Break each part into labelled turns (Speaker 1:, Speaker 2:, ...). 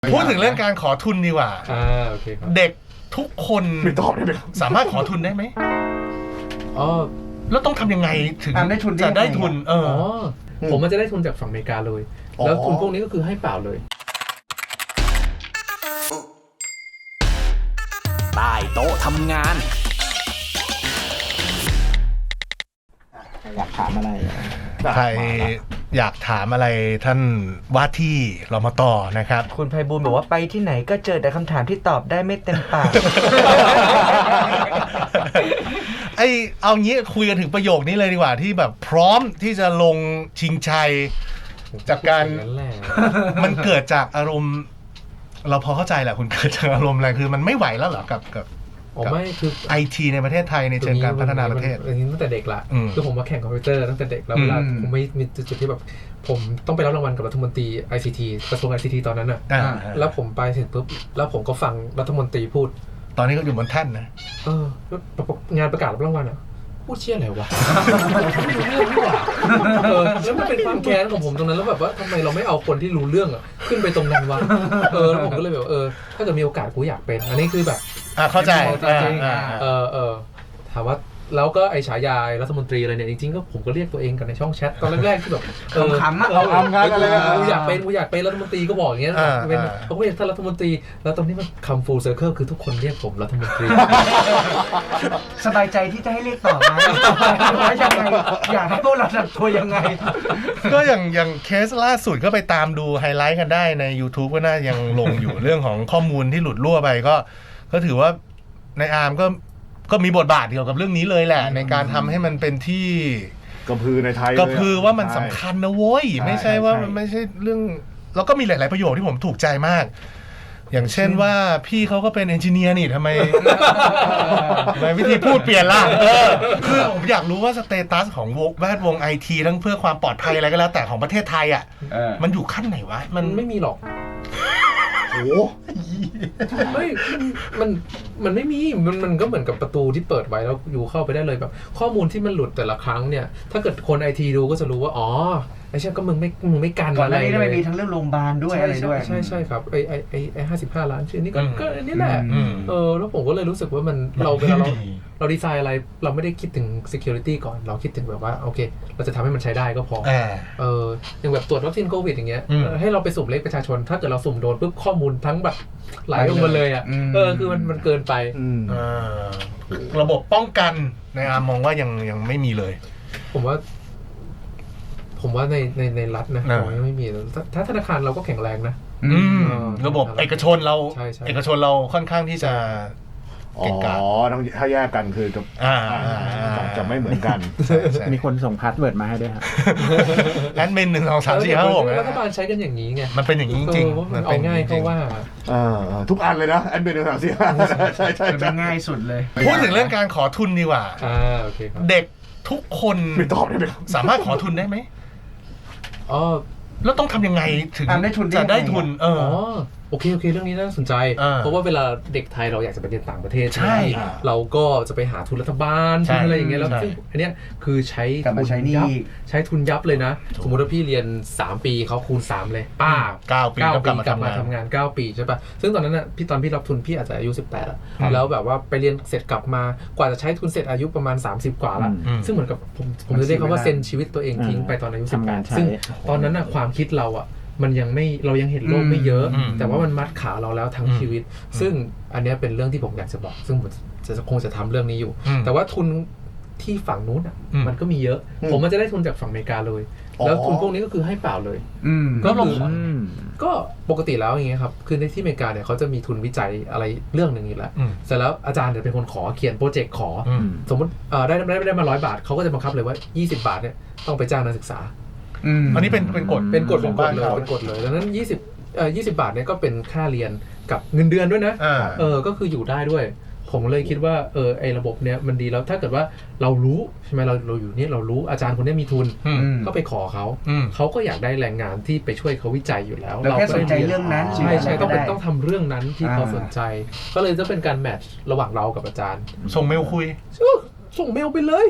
Speaker 1: พูดถึงเรื่องการขอทุนดีกว่า
Speaker 2: โอเคครับ
Speaker 1: เด็กทุกคน
Speaker 3: ไม่ตอบได้ไหมครับ
Speaker 1: สามารถขอทุนได้ไหม
Speaker 2: อ๋อ
Speaker 1: แล้วต้องทำยังไงถึง
Speaker 4: ได้ทุน
Speaker 1: จะได้ทุน
Speaker 2: ผมมันจะได้ทุนจากฝั่งอเมริกาเลยแล้วทุนพวกนี้ก็คือให้เปล่าเลย
Speaker 5: ใต้โต๊ะทำงาน
Speaker 4: อยากถามอะไร
Speaker 1: ใครอยากถามอะไรท่านว่าที่รมต.นะครับ
Speaker 4: คุณไพบูลย์บอกว่าไปที่ไหนก็เจอแต่คำถามที่ตอบได้ไม่เต็มปาก
Speaker 1: เอางี้คุยกันถึงประโยคนี้เลยดีกว่าที่แบบพร้อมที่จะลงชิงชัยจากการมันเกิดจากอารมณ์เราพอเข้าใจแหละคุณเกิดจากอารมณ์อะไรคือมันไม่ไหวแล้วเหรอกับ
Speaker 2: ไม่คือ
Speaker 1: ไอทีในประเทศไทยในเชิงการพัฒนาประเทศ
Speaker 2: อันนี้ตั้งแต่เด็กละคือผมมาแข่งคอมพิวเตอร์ตั้งแต่เด็กแล้วเวลาผมไม่มีจุดที่แบบผมต้องไปรับรางวัลกับรัฐมนตรี ICT กระทรวง ICT ตอนนั้นน่ะแล้วผมไปเสร็จปุ๊บแล้วผมก็ฟังรัฐมนตรีพูด
Speaker 1: ตอนนี้ก็อยู่บนแท่นนะ
Speaker 2: งานประกาศรับรางวัลอ่ะพูดเชี่ยอะไรวะไม่รู้เรื่องนี่หว่าแล้วมันเป็นความแค้นของผมตรงนั้นแล้วแบบว่าทำไมเราไม่เอาคนที่รู้เรื่องอ่ะขึ้นไปตรงนั้นวะแล้วผมก็เลยแบบถ้าเกิดมีโอกาสกูอยากเป็นอันนี้คือแบบ
Speaker 1: เข้าใจ
Speaker 2: ถามว่าแล้วก็ไอฉายารัฐมนตรีอะไรเนี่ยจริงๆก็ผมก็เรียกตัวเองกันในช่องแชทตอนแรกๆที่แบบ
Speaker 4: ขำๆ
Speaker 3: เราทำงานอะไร
Speaker 2: กูอยากเป็นรัฐมนตรีก็บอกอย่างเงี้ยเป็นเขาก็เรียกท่านรัฐมนตรีแล้วตอนนี้มันคำ full circle คือทุกคนเรียกผมรัฐมนตรี
Speaker 4: สบายใจที่จะให้เรียกต่อไหมว่ายังไงอยากให้พวกเราทำตัวยังไง
Speaker 1: ก็อย่างเคสล่าสุดก็ไปตามดูไฮไลท์กันได้ใน YouTube ก็น่ายังลงอยู่เรื่องของข้อมูลที่หลุดรั่วไปก็ถือว่าในอาร์มก็มีบทบาทเกี่ยวกับเรื่องนี้เลยแหละในการทำให้มันเป็นที่
Speaker 3: กระพือในไทย
Speaker 1: กระพือว่ามันสำคัญนะโว้ยไม่ใช่ว่ามันไม่ใช่เรื่องแล้วก็มีหลายๆประโยคที่ผมถูกใจมากอย่างเช่นว่าพี่เขาก็เป็นเอนจิเนียร์นี่ทำไมวิธีพูดเปลี่ยนล่ะคือผมอยากรู้ว่าสเตตัสของแวดวงไอทีทั้งเพื่อความปลอดภัยอะไรก็แล้วแต่ของประเทศไทยอ่ะมันอยู่ขั้นไหนวะ
Speaker 2: มันไม่มีหรอก
Speaker 3: โอ้
Speaker 2: ไม่มันไม่มีมันก็เหมือนกับประตูที่เปิดไว้แล้วอยู่เข้าไปได้เลยแบบข้อมูลที่มันหลุดแต่ละครั้งเนี่ยถ้าเกิดคนไอทีดูก็จะรู้ว่าอ๋อไอ้ใช่ก็มึงไม่กัน
Speaker 4: อะไรเลยก่อนหน้านี้มีทั้งเรื่องโรงพยาบาลด้วยอะไรด้วย
Speaker 2: ใช่ครับไอ้55 ล้านชื่อนี่ก็อันนี้แหละแล้วผมก็เลยรู้สึกว่ามันเราเวลาเราดีไซน์อะไรเราไม่ได้คิดถึง security ก่อนเราคิดถึงแบบว่าโอเคเราจะทำให้มันใช้ได้ก็พออย่างแบบตรวจวัคซีนโควิดอย่างเงี้ยให้เราไปสุ่มเลขประชาชนถ้าเกิดเราสุ่มโดนปุ๊บข้อมูลทั้งแบบไหลลงมาเลยอ่ะคือมันเกินไป
Speaker 1: ระบบป้องกันในอาร์มมองว่ายังไม่มีเลย
Speaker 2: ผมว่าในรัฐนะผมยังไม่มีถ้าธนาคารเราก็แข็งแรงนะ
Speaker 1: ระบบเอกชนเราค่อนข้างที่จะ
Speaker 3: ต้องถ้าแยกกันคือจะไม่เหมือนกัน
Speaker 4: มีคนส่งพาสเวิร์ดมาให้ด้วยครับ
Speaker 1: แอดมิน1 2 3 4 5 6
Speaker 2: รัฐบาลใช้กันอย่างนี้ไง
Speaker 1: มันเป็นอย่างนี้จริงๆ
Speaker 2: มันเอาง่ายเขาว่า
Speaker 3: ทุกอันเลยนะแอดมิน1 2 4 5ใช่
Speaker 4: เป็นง่ายสุดเลย
Speaker 1: พูดถึงเรื่องการขอทุนดีกว่า
Speaker 2: โอเคครับ
Speaker 1: เด็กทุกคน
Speaker 3: ไม่ตอบได้ไหม
Speaker 1: สามารถขอทุนได้ไหมแล้วต้องทำยังไงถึงจะได้ทุน
Speaker 2: โอเคเรื่องนี้น่าสนใจเพราะว่าเวลาเด็กไทยเราอยากจะไปเรียนต่างประเทศ
Speaker 1: ใช่
Speaker 2: เราก็จะไปหาทุนรัฐบาลทุนอะไรอย่างเงี้ยแล้วซึ่งอันเนี้ยคือใช้ทุนยับเลยนะสมมติว่าพี่เรียน3 ปีเขาคูณ3เลย
Speaker 1: 9 ปี
Speaker 2: กลับมาทำงาน9 ปีใช่ป่ะซึ่งตอนนั้นน่ะตอนพี่รับทุนพี่อาจจะอายุ18แล้วแบบว่าไปเรียนเสร็จกลับมากว่าจะใช้ทุนเสร็จอายุประมาณ30 กว่าละซึ่งเหมือนกับผมจะเรียกเขาว่าเซ็นชีวิตตัวเองทิ้งไปตอนอายุ18ซึ่งตอนนั้นน่ะความคิดเราอ่ะมันเรายังเห็นโลกไม่เยอะแต่ว่ามันมัดขาเราแล้วทั้งชีวิตซึ่งอันนี้เป็นเรื่องที่ผมอยากจะบอกซึ่งผมคงจะทำเรื่องนี้อยู่แต่ว่าทุนที่ฝั่งนู้นมันก็มีเยอะผมมันจะได้ทุนจากฝั่งอเมริกาเลยแล้วทุนพวกนี้ก็คือให้เปล่าเลยก็ปกติแล้วอย่างเงี้ยครับคือในที่อเมริกาเนี่ยเขาจะมีทุนวิจัยอะไรเรื่องหนึ่งอยู่แล้วเสร็จแล้วอาจารย์จะเป็นคนขอเขียนโปรเจกต์ขอสมมติได้มา100 บาทเขาก็จะบังคับเลยว่า20 บาทเนี่ยต้องไปจ้างนักศึกษา
Speaker 1: อันนี้เป็นกฎ
Speaker 2: ของบ้านเขาเป็นกฎเลยดังนั้น20 บาทเนี่ยก็เป็นค่าเรียนกับเงินเดือนด้วยนะก็คืออยู่ได้ด้วยผมเลยคิดว่าไอ้ระบบเนี้ยมันดีแล้วถ้าเกิดว่าเรารู้ใช่ไหมเราอยู่เนี่ยเรารู้อาจารย์คนนี้มีทุนก็ไปขอเขาก็อยากได้แรงงานที่ไปช่วยเขาวิจัยอยู่แล้ว
Speaker 4: เราแค่สนใจเรื่องนั้น
Speaker 2: ใช่ต้องทำเรื่องนั้นที่เขาสนใจก็เลยจะเป็นการแมทช์ระหว่างเรากับอาจารย์
Speaker 1: ส่งเมลคุย
Speaker 2: ส่งเมลไปเลย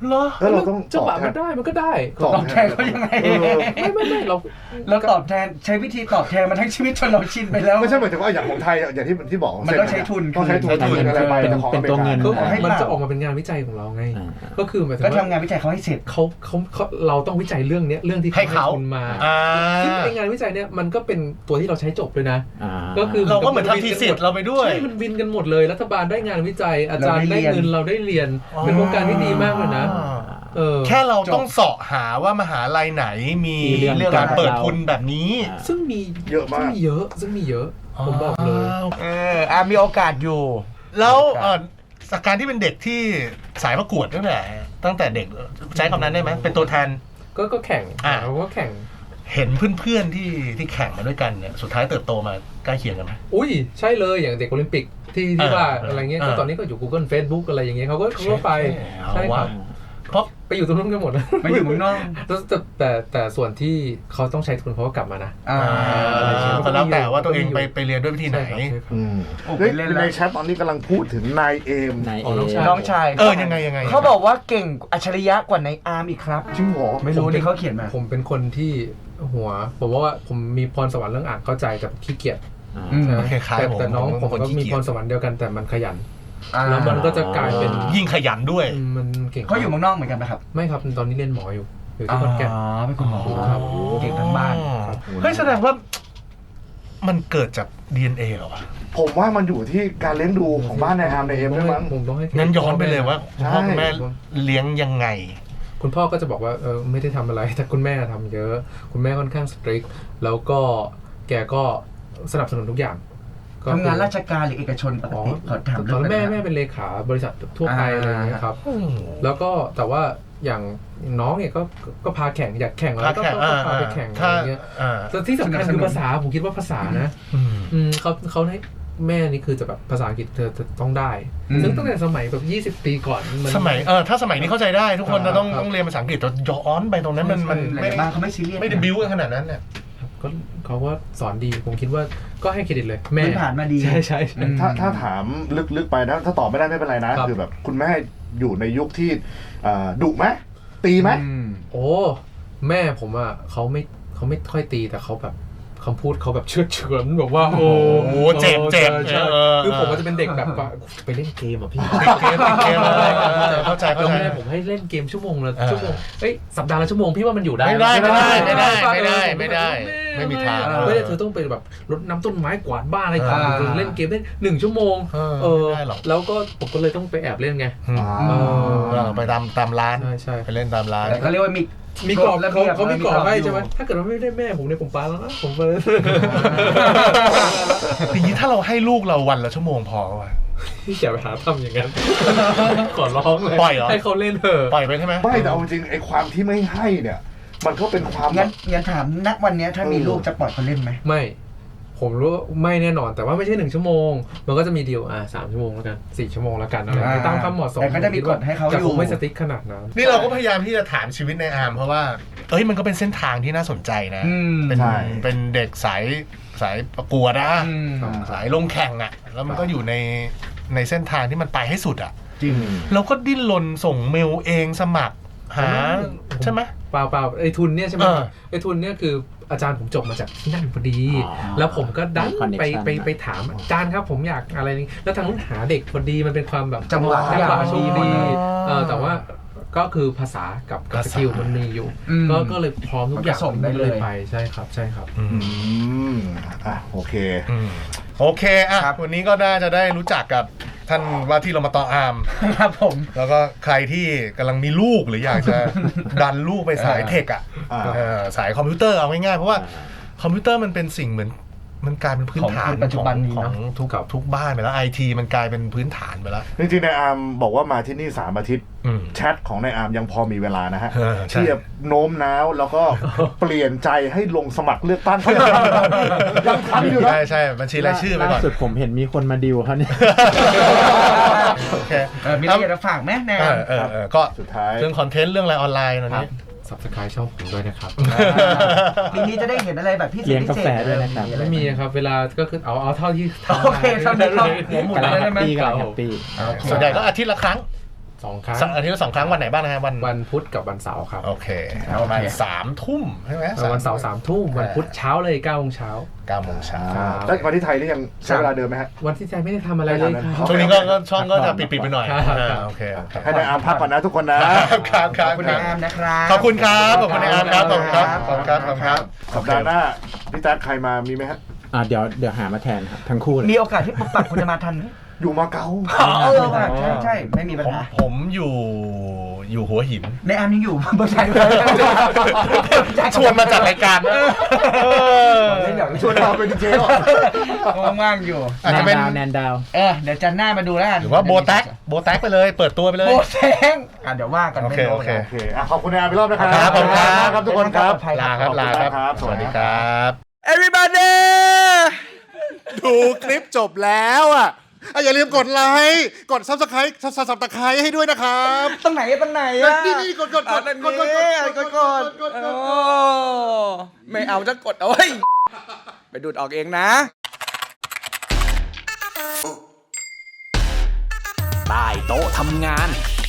Speaker 1: เหรอ
Speaker 3: แล้วเราต้อง
Speaker 2: จังหวะ
Speaker 3: ตอบแท
Speaker 2: มัน นได้มันก็ได้
Speaker 4: ตอบแทนเขายังไง
Speaker 2: ไม่เรา
Speaker 4: เราตอบแทนใช้วิธีตอบแทนมาทั้งชีวิตจนเราชินไปแล้ว
Speaker 3: ไม่ใช่หมายถึงว่าอย่างของไทยอย่างที่บอก
Speaker 4: มันต้องใช้ทุน
Speaker 3: ต้องใช้ทุนอะไรไป
Speaker 6: เป็นตัวเงิน
Speaker 2: ก็
Speaker 4: ให้
Speaker 2: มัน
Speaker 4: เปล่า
Speaker 2: จะออกมาเป็นงานวิจัยของเราไง
Speaker 6: อ่า
Speaker 2: ก็คือหมายถึง
Speaker 4: ก็
Speaker 2: ว่า
Speaker 4: ทำงานวิจัยเขาให้เสร็จ
Speaker 2: เขาเราต้องวิจัยเรื่องเนี้ยเรื่องที่
Speaker 1: ให้เขา
Speaker 2: ทุนมา
Speaker 1: อ่า
Speaker 2: ซึ่งไองานวิจัยเนี้ยมันก็เป็นตัวที่เราใช้จบด้วยนะ
Speaker 6: อ่า
Speaker 2: ก็คือ
Speaker 1: เราก็เหมือนทำทีสิทธิ์เราไปด้วย
Speaker 2: ใช่มันวินกันหมดเลยรัฐบาลได้งานวิจัยอาจารย์ได้เงินเราได้เรียนเป็นโครงการที่ดีมากเลยนะ
Speaker 1: แค่เราต้องเสาะหาว่ามหาลัยไหนมีเรื่องการเปิดทุนแบบนี้
Speaker 2: ซึ่งมี
Speaker 3: เยอะมาก
Speaker 2: ซึ่งมีเยอะผมบอกเลย
Speaker 4: มีโอกาสอยู่
Speaker 1: แล้วจากการที่เป็นเด็กที่สายประกวดตั้งแต่เด็กใช้คำนั้นได้ไหมเป็นตัวแทน
Speaker 2: ก็แข่งเราก็แข่ง
Speaker 1: เห็นเพื่อนๆที่แข่งมาด้วยกันเนี่ยสุดท้ายเติบโตมาใกล้เคียงกันไหม
Speaker 2: อุ้ยใช่เลยอย่างเด็กโอลิมปิกที่ว่าอะไรเงี้ยก็ตอนนี้ก็อยู่ Google Facebook อะไรอย่างเงี้ยเขาก็ไปใช่ครับเพราะไปอยู่ตรงนู้นกันหมด
Speaker 4: ไม่อยู่เมืองนอก
Speaker 2: แต่ส่วนที่เขาต้องใช้ทุนเขาก็กลับมานะ
Speaker 1: ก็แล้วแต่ว่าตัวเองไปเรียนด้วยวิธีไหน
Speaker 3: ในแชทตอนนี้กำลังพูดถึงนายเอม
Speaker 4: น้องชาย
Speaker 1: ยังไง
Speaker 4: เขาบอกว่าเก่งอัจฉริยะกว่าในอาร์มอีกครับ
Speaker 3: จริงเหรอ
Speaker 4: ไม่รู้นี่เขาเขียนมา
Speaker 2: ผมเป็นคนที่ผมว่าผมมีพรสวรรค์เรื่องอ่านเข้าใจแต่ขี้เกียจแต่น้องผมก็มีพรสวรรค์เดียวกันแต่มันขยันแล้วมันก็จะกลายเป็น
Speaker 1: ยิ่งขยันด้วย
Speaker 2: มันเก่ง
Speaker 4: เขาอยู่เมืองนอกเหมือนกันไหมครับ
Speaker 2: ไม่ครับตอนนี้เรียนหมออยู่ที่ขอนแก่น
Speaker 4: เป็นคุณหมอ
Speaker 2: ครับ
Speaker 4: เก่งทั้งบ้าน
Speaker 1: เฮ้ยแสดงว่ามันเกิดจาก DNA เหรอวะ
Speaker 3: ผมว่ามันอยู่ที่การเลี้ยงดูของบ้านนายอาร์มนายเอมด้วยมั้ง
Speaker 2: ผมต้องให้
Speaker 1: งั้นย้อนไปเลยว่าคุณพ่อคุณแม่เลี้ยงยังไง
Speaker 2: คุณพ่อก็จะบอกว่าไม่ได้ทำอะไรแต่คุณแม่ทำเยอะ คุณแม่ค่อนข้างสตริกแล้วก็แกก็สนับสนุนทุกอย่าง
Speaker 4: ทำงานราชการหรือเอกชนปกติเขาถาม
Speaker 2: ตอนแม่เป็นเลขาบริษัททั่วไปอะไรอย่างเงี้ยครับแล้วก็แต่ว่าอย่างน้องเนี่ยก็พาแข่งอยากแข่งแล้วก็พาไปแข่งอะไรเงี้ยแต่ที่สำคัญคือภาษาผมคิดว่าภาษานะเขาให้แม่นี่คือจะแบบภาษาอังกฤษเธอต้องได้ซึ่งตั้งแต่สมัยแบบ20 ปีก่อน
Speaker 1: สมัยถ้าสมัยนี้เข้าใจได้ทุกคนจะต้องเรียนภาษาอังกฤษจะย้อนไปตรงนั้นมันไม่บ้างเขาไม่ซีเรียสไม่ได้บิ้วกันขนาดนั้นเนี่ย
Speaker 2: ก็เขาว่าสอนดีผมคิดว่าก็ให้เครดิตเลยแม่
Speaker 4: ผ่านมาดี
Speaker 2: ใช่
Speaker 3: ถ้าถามลึกๆไปนะถ้าตอบไม่ได้ไม่เป็นไรนะคือแบบคุณแม่อยู่ในยุคที่ดุไหมตีไหม
Speaker 2: โอ้แม่ผมอ่ะเขาไม่ค่อยตีแต่เขาแบบคำพูดเขาแบบเชื่อเฉือนแบบว่าโอ้โห
Speaker 1: เจ็บ
Speaker 2: คือผมก็จะเป็นเด็กแบบไปเล่นเกมอ่ะพี่
Speaker 1: เกมอะไรเข้าใจ
Speaker 2: แล้วแม่ผมให้เล่นเกมชั่วโมงละชั่วโมงสัปดาห์ละชั่วโมงพี่ว่ามันอยู่ได้
Speaker 1: ไม่ได้ไม่มีทาง
Speaker 2: ไม่ได้เธอต้องไปแบบรดน้ำต้นไม้กวาดบ้านอะไรต่างๆเล่นเกมได้1 ชั่วโมงแล้วก็ผมก็เลยต้องไปแอบเล่นไง
Speaker 1: ไปตามร้าน
Speaker 2: ใช่
Speaker 1: ไปเล่นตามร้าน
Speaker 4: เขาเรียกว่า
Speaker 2: มีกรอบแล้วเขามีกรอบให้ใช่ไหมถ้าเกิดว่าไม่ได้แม่ผมเนี่ยผมปาแล้วนะผมไป
Speaker 1: อย่างนี้ถ้าเราให้ลูกเราวันละชั่วโมงพอวะ
Speaker 2: พี่อย่าไปหาทำอย่างนั้นขอร้องเลย
Speaker 1: ปล่อยเหรอ
Speaker 2: ให้เขาเล่นเถอะ
Speaker 1: ปล่อยไปใช่ไหม
Speaker 3: ไม่แต่เอาจริงไอ้ความที่ไม่ให้เนี่ยมันก็เป็นความ
Speaker 4: งั้นถามณวันนี้ถ้ามีลูกจะปล่อยเขาเล่นไหม
Speaker 2: ไม่ผมรู้ไม่แน่นอนแต่ว่าไม่ใช่1 ชั่วโมงมันก็จะมีดีล3 ชั่วโมงแล้วกัน4 ชั่วโมงแล้วกันอะไรตามความเหมาะสม
Speaker 4: แต่ก็ได้มีกฎให้เขาอยู่
Speaker 2: แต่ผมไม่สติ๊กขนาดนั้น
Speaker 1: นี่เราก็พยายามที่จะถามชีวิตในอาร์มเพราะว่ามันก็เป็นเส้นทางที่น่าสนใจนะเป็นเด็กสายประกวดสายลงแข่งอ่ะแล้วมันก็อยู่ในเส้นทางที่มันไปให้สุดอ่ะ
Speaker 3: จริง
Speaker 1: เราก็ดิ้นรนส่งเมลเองสมัครหาใช่ไหม
Speaker 2: เปล่าไอ้ทุนเนี่ยใช่ไหมไอ้ทุนเนี่ยคืออาจารย์ผมจบมาจากที่นั่นพอดีแล้วผมก็ดันไปถามอาจารย์ครับผมอยากอะไรนี้แล้วทางนู้นหาเด็กพอดีมันเป็นความแบบ
Speaker 4: จังหวะ
Speaker 2: โชคดีแต่ว่าก็คือภาษากับสกิลมันมีอยู่ก็เลยพร้อมทุกอย่าง
Speaker 4: ได้เลย
Speaker 2: ไปใช่ครับ
Speaker 3: โอเค
Speaker 1: วันนี้ก็น่าจะได้รู้จักกับท่านว่าที่เรามาต่ออาร์ม
Speaker 4: ครับผม
Speaker 1: แล้วก็ใครที่กำลังมีลูกหรืออยากจะดันลูกไปสายเทคสายคอมพิวเตอร์เอาง่ายๆเพราะว่าคอมพิวเตอร์มันเป็นสิ่งเหมือนมันกลายเป็นพื้นฐาน
Speaker 4: ปัจจุบัน
Speaker 1: ของทุกบ้านไปแล้ว IT มันกลายเป็นพื้นฐานไปแล้ว
Speaker 3: จริงๆนายอาร์มบอกว่ามาที่นี่3 อาทิตย์แชทของนายอาร์มยังพอมีเวลานะฮะที่จะโน้มน้าวแล้วก็เปลี่ยนใจให้ลงสมัครเลือกตั้งยังทันอยู่นะ
Speaker 1: ใช่บัญชีรายชื่อไปก่อน
Speaker 6: สุดผมเห็นมีคนมาดิวเขาเนี่ย
Speaker 4: มีอะไรจะฝากไหมแน่
Speaker 1: ก็สุดท้ายเรื่องคอนเทนต์เรื่องอะไรออนไลน์ตอนนี้
Speaker 2: Subscribe ช่องผมด้วยนะครับ
Speaker 4: ปีนี้จะได้เห็นอะไรแบบพิเศษ
Speaker 6: เลี้ยงกาแฟด้วยนะครับ
Speaker 2: ไม่มีครับเวลาก็คือเอาเท่าที่ทำ
Speaker 4: โอเคทำได้หัวหมุนได้ไหม
Speaker 6: ปีส่
Speaker 1: วนใหญ่ก็อาทิตย์ละครั้ง
Speaker 2: 2 ครั้ง
Speaker 1: อาทิตย์ละ2 ครั้งวันไหนบ้างนะฮะวัน
Speaker 2: วันพุธกับวันเสาร์ครับ
Speaker 1: โอเคประมาณ3 ทุ่มใช่ไหม
Speaker 2: วันเสาร์3 ทุ่มวันพุธเช้าเลย9 โมงเช้า
Speaker 1: 9 โมงเช้า
Speaker 3: แล้วมาที่ไทยนี่ยังใช้เวลาเดิมไหมฮะ
Speaker 2: วันที่ใจไม่ได้ทำอะไรเลยครับ
Speaker 1: ช่วงนี้ก็ช่องก็จะปิดไปหน่อย
Speaker 2: ครับ
Speaker 1: โอเค
Speaker 3: ให้นายอาร์มพักก่อนนะทุกคนนะ
Speaker 1: ครับ
Speaker 4: ขอบคุณนายอาร์มนะครับ
Speaker 1: ขอบคุณครับขอบคุณนายอาร์มครับขอบคุณครับขอบคุณครับขอบคุณครับ
Speaker 3: สัปดาห์หน้าพี่แจ๊คใครมามีไหมฮะ
Speaker 6: เดี๋ยวหามาแทนครับทั้งคู่เลย
Speaker 4: มีโอกาสที่ปุ๊บปัดคุณจะมาทันไหม
Speaker 3: อยู่มาเก๊า
Speaker 4: ว่ะใช่ไม่มีปัญหา
Speaker 1: ผมอยู่หัวหิน
Speaker 4: ในอาร์มยังอยู่เบอร์ชัยเลย
Speaker 1: ชวนมาจัดรายการ
Speaker 4: เล่นเดี๋ยว
Speaker 3: ชวนเราเป็นดีเจหรอ
Speaker 4: ว่างๆอยู่
Speaker 1: อาจจะเป็น
Speaker 6: แนนดาว
Speaker 4: เดี๋ยวจันหน้ามาดูแล้วกัน
Speaker 1: หรือว่าโบแท็กไปเลยเปิดตัวไปเลย
Speaker 4: โบแทงเดี๋ยวว่ากัน
Speaker 1: โอเค
Speaker 4: ไม่รู้
Speaker 1: โอเค
Speaker 3: โอเคขอบคุณนายอาร์มอีกรอบนะครับ
Speaker 1: ครับผมครับ
Speaker 3: ครับทุกคนครับ
Speaker 1: ลาครับ
Speaker 3: สวัสดีครับ
Speaker 1: Everybody
Speaker 3: ดูคลิปจบแล้วอ่ะอย่าลืมกดไลค์กด Subscribe ให้ด้วยนะครับ
Speaker 4: ตรงไหนอะ
Speaker 3: นี่กด
Speaker 7: ไม่เอาจะกดเอาไว้ไปดูดออกเองนะ
Speaker 5: ใต้โต๊ะทำงาน